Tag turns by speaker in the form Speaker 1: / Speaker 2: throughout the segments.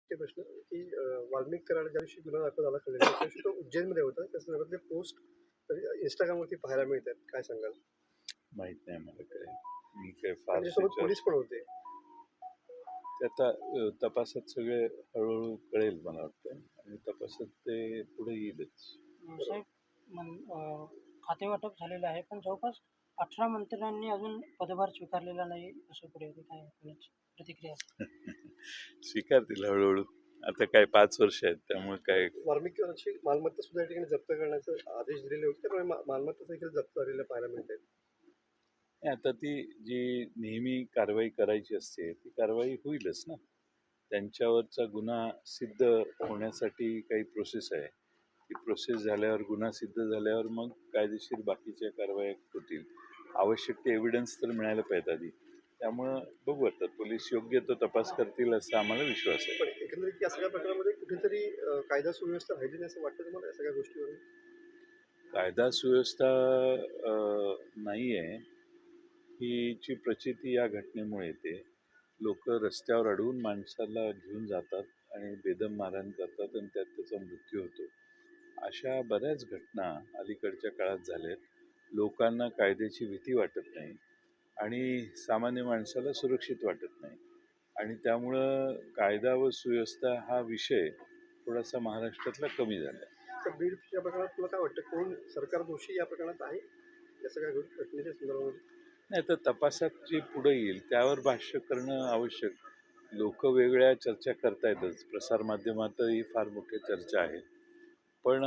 Speaker 1: शेवटचे प्रश्न की वाल्मिक कराड ज्या दिवशी गुन्हा दाखल झाला कळलेला त्या दिवशी तो उज्जैनमध्ये होता. त्या संदर्भातले पोस्ट इंस्टाग्रामवरती पाहायला मिळतात. काय सांगाल?
Speaker 2: माहित नाही मला काय. मी काय
Speaker 1: आणि
Speaker 2: फार
Speaker 1: त्याच्यासोबत
Speaker 2: त्याच्यावर
Speaker 1: पोलीस पण होते.
Speaker 2: ते आता तपासात सगळे हळूहळू कळेल मला वाटतं आणि तपासात ते पुढे येईलच.
Speaker 3: साहेब खातेवाटप झालेलं आहे, पण जवळपास 18 मंत्र्यांनी अजून पदभार स्वीकारलेला नाही, असं पुढे होते. काय कोणाची प्रतिक्रिया?
Speaker 2: स्वीकारतील हळूहळू. आता काय 5 वर्ष आहेत त्यामुळे काय.
Speaker 1: वाल्मिक कराडची मालमत्ता सुद्धा या ठिकाणी जप्त करण्याचे आदेश दिलेले होते. त्यामुळे मालमत्ता देखील जप्त झालेल्या पाहायला मिळत आहेत.
Speaker 2: आता ती जी नेहमी कारवाई करायची असते ती कारवाई होईलच ना. त्यांच्यावरचा गुन्हा सिद्ध होण्यासाठी काही प्रोसेस आहे. ती प्रोसेस झाल्यावर गुन्हा सिद्ध झाल्यावर मग कायदेशीर बाकीच्या कारवाया होतील. आवश्यक ते एव्हिडन्स तर मिळायला पाहिजे आधी. त्यामुळं बघू आता पोलीस योग्य तो तपास करतील असा आम्हाला विश्वास आहे.
Speaker 1: पण एकंदरीत या सगळ्या प्रकारामध्ये कुठेतरी कायदा सुव्यवस्था राहिली नाही असं वाटतं तुम्हाला या सगळ्या गोष्टीवरून?
Speaker 2: कायदा सुव्यवस्था नाही आहे हीची प्रचिती या घटनेमुळे येते. लोक रस्त्यावर अडवून माणसाला घेऊन जातात आणि बेदम मारहाण करतात आणि त्यात त्याचा मृत्यू होतो. अशा बऱ्याच घटना अलीकडच्या काळात झाल्यात. लोकांना कायद्याची भीती वाटत नाही आणि सामान्य माणसाला सुरक्षित वाटत नाही आणि त्यामुळं कायदा व सुव्यवस्था हा विषय थोडासा महाराष्ट्रातला कमी झाला आहे.
Speaker 1: तर बीडच्या प्रकरणात तुला काय वाटतं, कोण सरकार दोषी या प्रकरणात आहे या सगळ्या घटनेच्या संदर्भामध्ये?
Speaker 2: नाही तर तपासात जे पुढे येईल त्यावर भाष्य करणं आवश्यक. लोक वेगळ्या चर्चा करतायतच, प्रसारमाध्यमातही फार मोठ्या चर्चा आहेत, पण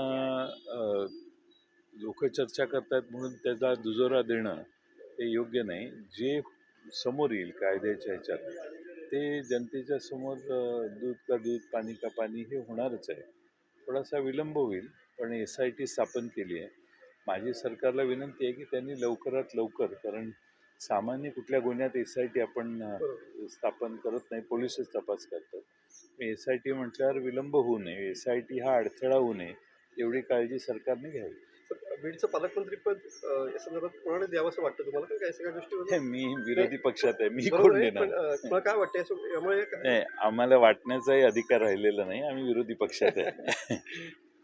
Speaker 2: लोक चर्चा करतायत म्हणून त्याचा दुजोरा देणं हे योग्य नाही. जे समोर येईल कायद्याच्या ह्याच्यात ते जनतेच्या समोर दूध का दूध पाणी का पाणी हे होणारच आहे. थोडासा विलंब होईल, पण SIT स्थापन केली आहे. माझी सरकारला विनंती आहे की त्यांनी लवकरात लवकर, कारण सामान्य कुठल्या गुन्ह्यात SIT आपण स्थापन करत नाही, पोलिसच तपास करतात. SIT म्हटल्यावर विलंब होऊ नये, SIT हा अडथळा होऊ नये एवढी काळजी सरकारने घ्यावी.
Speaker 1: बीडचं पालकमंत्री पद या संदर्भात कोणाला द्यावं असं वाटतं तुम्हाला? का काय सगळ्या गोष्टी
Speaker 2: मी विरोधी पक्षात आहे, मी
Speaker 1: बरोबर
Speaker 2: कोण
Speaker 1: आहे,
Speaker 2: देणार?
Speaker 1: पण तुला काय वाटतं यामुळे
Speaker 2: नाही, आम्हाला वाटण्याचाही अधिकार राहिलेला नाही. आम्ही विरोधी पक्षात आहे.